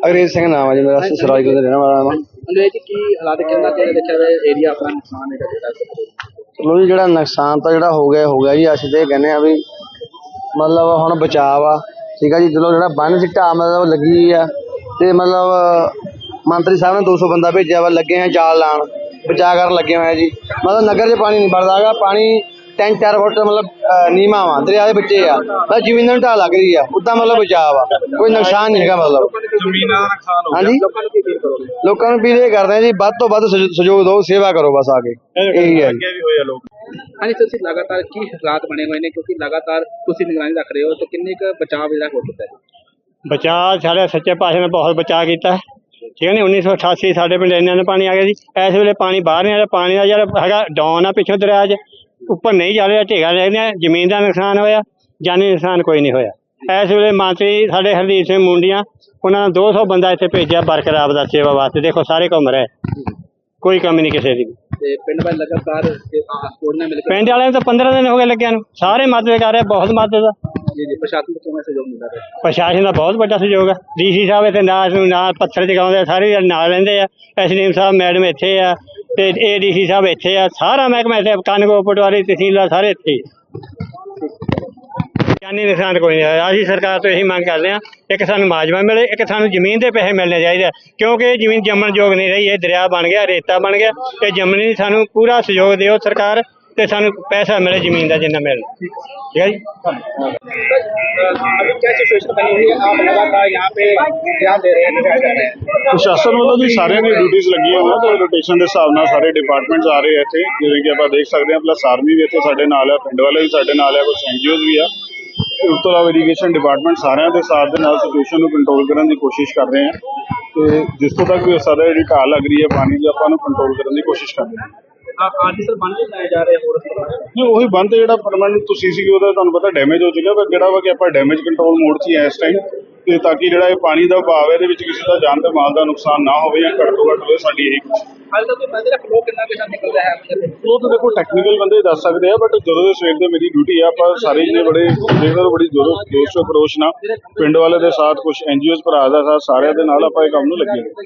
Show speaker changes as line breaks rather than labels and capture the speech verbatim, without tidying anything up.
अंग्रेज सिंह नाम है जी मेरा, सरायकोट का रहने वाला मैं।
अंग्रेज जी की हालात कितना के देखा जाए एरिया अपना नुकसान है ਜਿਹੜਾ
चलो जी ਜਿਹੜਾ ਨੁਕਸਾਨ ਤਾਂ ਜਿਹੜਾ ਹੋ ਗਿਆ ਹੋ ਗਿਆ ਜੀ। ਅਸੀਂ ਤੇ ਕਹਿੰਦੇ ਆ ਵੀ ਮਤਲਬ ਹੁਣ ਬਚਾਅ ਆ, ਠੀਕ ਆ ਜੀ। ਚਲੋ ਜਿਹੜਾ ਬੰਨ ਚ ਢਾਹ ਮਤਲਬ ਲੱਗੀ ਆ ਤੇ ਮਤਲਬ ਮੰਤਰੀ ਸਾਹਿਬ ਨੇ ਦੋ ਸੌ ਬੰਦਾ ਭੇਜਿਆ ਵਾ, ਲੱਗੇ ਆ ਜਾਲ ਲਾਉਣ, ਬਚਾਅ ਕਰਨ ਲੱਗੇ ਹੋਏ ਆ ਜੀ। ਮਤਲਬ ਨਗਰ 'ਚ ਪਾਣੀ ਨਹੀਂ ਵੜਦਾ ਹੈਗਾ, ਪਾਣੀ ਤਿੰਨ ਚਾਰ ਫੁੱਟ ਮਤਲਬ ਨੀਵਾਂ ਵਾ, ਦਰਿਆ ਦੇ ਵਿੱਚੇ ਆ, ਬਸ ਜ਼ਮੀਨਾਂ ਨੂੰ ਢਾਹ ਲੱਗ ਰਹੀ ਆ, ਉੱਦਾਂ ਮਤਲਬ ਬਚਾਅ ਵਾ, ਕੋਈ ਨੁਕਸਾਨ ਨਹੀਂ ਹੈਗਾ ਮਤਲਬ
ਜ਼ਮੀਨਾਂ ਦਾ ਨੁਕਸਾਨ ਹੋ
ਹਾਂਜੀ।
ਲੋਕਾਂ ਨੂੰ ਕੀ ਅਪੀਲ ਕਰੋਗੇ?
ਲੋਕਾਂ ਨੂੰ ਅਪੀਲ ਇਹ ਕਰਦੇ ਆ ਜੀ, ਵੱਧ ਤੋਂ ਵੱਧ ਸਹਿ- ਸਹਿਯੋਗ ਦਿਓ, ਸੇਵਾ ਕਰੋ ਬਸ ਆ ਕੇ, ਇਹੀ ਹੈ ਜੀ।
ਹਾਂਜੀ, ਤੁਸੀਂ ਲਗਾਤਾਰ ਕੀ ਹਾਲਾਤ ਬਣੇ ਹੋਏ ਨੇ ਕਿਉਂਕਿ ਲਗਾਤਾਰ ਤੁਸੀਂ ਨਿਗਰਾਨੀ ਰੱਖ ਰਹੇ ਹੋ ਤੇ ਕਿੰਨੇ ਕੁ ਬਚਾਅ ਜਿਹੜਾ ਹੋ ਚੁੱਕਾ ਹੈ?
ਬਚਾਅ ਸਾਡੇ ਸੱਚੇ ਪਾਤਸ਼ਾਹ ਨੇ ਬਹੁਤ ਬਚਾਅ ਕੀਤਾ, ਠੀਕ ਹੈ ਨੀ। ਉੱਨੀ ਸੌ ਅਠਾਸੀ ਸਾਡੇ ਪਿੰਡ ਇੰਨਾ ਪਾਣੀ ਆ ਗਿਆ ਜੀ। ਇਸ ਵੇਲੇ ਪਾਣੀ ਬਾਹਰ ਨਹੀਂ ਆ ਰਿਹਾ, ਪਾਣੀ ਦਾ ਜਿਹੜਾ ਹੈਗਾ ਡਾਊਨ ਆ ਪਿੱਛੋਂ ਦਰਿਆ 'ਚ, ਉੱਪਰ ਨਹੀਂ ਜਾ ਰਿਹਾ, ਢੇਗਾ ਰਹਿ ਗਿਆ। ਜ਼ਮੀਨ ਦਾ ਨੁਕਸਾਨ ਹੋਇਆ, ਜਾਨੀ ਨੁਕਸਾਨ ਕੋਈ ਨਹੀਂ ਹੋਇਆ। ਇਸ ਵੇਲੇ ਮੰਤਰੀ ਸਾਡੇ ਹਰਦੀਪ ਸਿੰਘ ਮੁੰਡੀਆਂ, ਉਹਨਾਂ ਨੇ ਦੋ ਸੌ ਬੰਦਾ ਇੱਥੇ ਭੇਜਿਆ ਬਰਕਰਾਰ ਦਾ ਸੇਵਾ ਵਾਸਤੇ। ਦੇਖੋ ਸਾਰੇ ਘੁੰਮ ਰਹੇ, ਕੋਈ ਕਮੀ ਨਹੀਂ ਕਿਸੇ ਦੀ।
ਤੇ ਪਿੰਡ ਵਾਲੇ ਲਗਾਤਾਰ ਸਪੋਰਟ ਨਾਲ ਮਿਲ ਕੇ
ਪਿੰਡ ਵਾਲਿਆਂ ਨੂੰ ਤਾਂ ਪੰਦਰਾਂ ਦਿਨ ਹੋ ਗਏ ਲੱਗਿਆ ਨੂੰ, ਸਾਰੇ ਮਦਦ ਕਰ ਰਹੇ, ਬਹੁਤ ਮਦਦ ਆ।
ਜੀ ਜੀ ਪ੍ਰਸ਼ਾਸਨ ਤੋਂ ਕਿਵੇਂ ਸਹਿਯੋਗ ਮਿਲਦਾ ਹੈ?
ਪ੍ਰਸ਼ਾਸਨ ਦਾ ਬਹੁਤ ਵੱਡਾ ਸਹਿਯੋਗ ਆ। ਡੀ ਸੀ ਸਾਹਿਬ ਇੱਥੇ ਨਾਲ ਨਾਲ ਪੱਥਰ ਜਗਾਉਂਦੇ, ਸਾਰੇ ਨਾਲ ਰਹਿੰਦੇ ਆ। ਐਸ ਡੀ ਐਮ ਸਾਹਿਬ ਮੈਡਮ ਇੱਥੇ ਆ ਤੇ ਏ ਡੀ ਸੀ ਸਾਹਿਬ ਇੱਥੇ ਆ, ਸਾਰਾ ਮਹਿਕਮਾ ਇੱਥੇ, ਕਾਨੂੰਗੋ ਪਟਵਾਰੀ ਤਹਿਸੀਲਦਾਰ ਸਾਰੇ ਇੱਥੇ ਹੀ। ਜਾਨੀ ਨੁਕਸਾਨ ਕੋਈ ਨਹੀਂ ਹੋਇਆ। ਅਸੀਂ ਸਰਕਾਰ ਤੋਂ ਇਹੀ ਮੰਗ ਕਰਦੇ ਹਾਂ, ਇੱਕ ਸਾਨੂੰ ਮਾਜਵਾ ਮਿਲੇ, ਇੱਕ ਸਾਨੂੰ ਜ਼ਮੀਨ ਦੇ ਪੈਸੇ ਮਿਲਣੇ ਚਾਹੀਦੇ, ਕਿਉਂਕਿ ਇਹ ਜ਼ਮੀਨ ਜੰਮਣ ਯੋਗ ਨਹੀਂ ਰਹੀ। ਇਹ ਦਰਿਆ ਬਣ ਗਿਆ, ਰੇਤਾ ਬਣ ਗਿਆ, ਇਹ ਜੰਮਣੀ। ਸਾਨੂੰ ਪੂਰਾ ਸਹਿਯੋਗ ਦਿਓ ਸਰਕਾਰ, ਤੇ ਸਾਨੂੰ ਪੈਸਾ ਮਿਲੇ ਜ਼ਮੀਨ ਦਾ ਜਿੰਨਾ ਮਿਲੇ, ਠੀਕ ਹੈ ਜੀ।
अभी क्या सिचुएशन बनी हुई है? आप लगातार यहाँ पे ध्यान दे रहे हैं?
ਪ੍ਰਸ਼ਾਸਨ ਵੱਲੋਂ ਜੀ ਸਾਰਿਆਂ ਦੀ ਡਿਊਟੀਆਂ ਲੱਗੀਆਂ ਹੋਈਆਂ ਤੇ ਰੋਟੇਸ਼ਨ ਦੇ ਹਿਸਾਬ ਨਾਲ ਸਾਰੇ ਡਿਪਾਰਟਮੈਂਟਸ ਆ ਰਹੇ ਆ ਇੱਥੇ, ਜਿਵੇਂ ਕਿ ਆਪਾਂ ਦੇਖ ਸਕਦੇ ਹਾਂ। ਪਲੱਸ ਆਰਮੀ ਵੀ ਇੱਥੇ ਸਾਡੇ ਨਾਲ ਆ, ਪਿੰਡ ਵਾਲੇ ਵੀ ਸਾਡੇ ਨਾਲ ਆ, ਕੁਝ ਐਨ ਜੀ ਓਜ਼ ਵੀ ਆ। ਉਸ ਤੋਂ ਇਲਾਵਾ ਇਰੀਗੇਸ਼ਨ ਡਿਪਾਰਟਮੈਂਟ ਸਾਰਿਆਂ ਦੇ ਸਾਥ ਦੇ ਨਾਲ ਸਿਚੁਏਸ਼ਨ ਨੂੰ ਕੰਟਰੋਲ ਕਰਨ ਦੀ ਕੋਸ਼ਿਸ਼ ਕਰ ਰਹੇ ਆ ਤੇ ਜਿਸ ਤੋਂ ਤੱਕ ਵੀ ਹੋ ਸਕਦਾ ਜਿਹੜੀ ਢਾਹ ਲੱਗ ਰਹੀ ਹੈ ਪਾਣੀ ਦੀ, ਆਪਾਂ ਨੂੰ ਕੰਟਰੋਲ ਕਰਨ ਦੀ ਕੋਸ਼ਿਸ਼ ਕਰ ਰਹੇ ਹਾਂ।
आज सर बन के लाए जा रहे हैं और
ਨਹੀਂ ਉਹੀ ਬੰਦ ਜਿਹੜਾ ਪਰਮਾਨੈਂਟ ਤੁਸੀਂ ਸੀਗੇ ਉਹਦਾ ਤੁਹਾਨੂੰ ਪਤਾ ਡੈਮੇਜ ਹੋ ਚੁੱਕਿਆ, ਪਰ ਜਿਹੜਾ ਵਾ ਕਿ ਆਪਾਂ ਡੈਮੇਜ ਕੰਟਰੋਲ ਮੋਡ 'ਚ ਹੀ ਆ ਇਸ ਟਾਈਮ, ਤੇ ਤਾਂ ਕਿ ਜਿਹੜਾ ਇਹ ਪਾਣੀ ਦਾ ਵਹਾਅ ਹੈ ਇਹਦੇ ਵਿੱਚ ਕਿਸੇ ਦਾ ਜਾਨ ਤੇ ਮਾਲ ਦਾ ਨੁਕਸਾਨ ਨਾ ਹੋਵੇ ਜਾਂ ਘੱਟ ਤੋਂ ਘੱਟ ਹੋਵੇ, ਸਾਡੀ ਇਹੀ ਕੋਸ਼ਿਸ਼ ਹੈ।
हाल तक तो मंदिर फ्लो कितना के साथ निकल रहा है?
ਉਹ ਤਾਂ ਦੇਖੋ ਟੈਕਨੀਕਲ ਬੰਦੇ ਦੱਸ ਸਕਦੇ ਆ, ਬਟ ਜਦੋਂ ਦੇ ਸਵੇਰ ਦੇ ਮੇਰੀ ਡਿਊਟੀ ਆ, ਆਪਾਂ ਸਾਰੇ ਜਿਹਨੇ ਬੜੇ ਦੇਖਦੇ ਬੜੀ ਜ਼ੋਰੋ ਜੋਸ਼ ਅਪਰੋਚ ਨਾਲ ਪਿੰਡ ਵਾਲੇ ਦੇ ਸਾਥ, ਕੁਝ ਐਨ ਜੀ ਓਜ਼ ਭਰਾ ਦਾ ਸਾਥ, ਸਾਰਿਆਂ ਦੇ ਨਾਲ ਆਪਾਂ ਇਹ ਕੰਮ ਨੂੰ ਲੱਗੇ ਹੋਏ।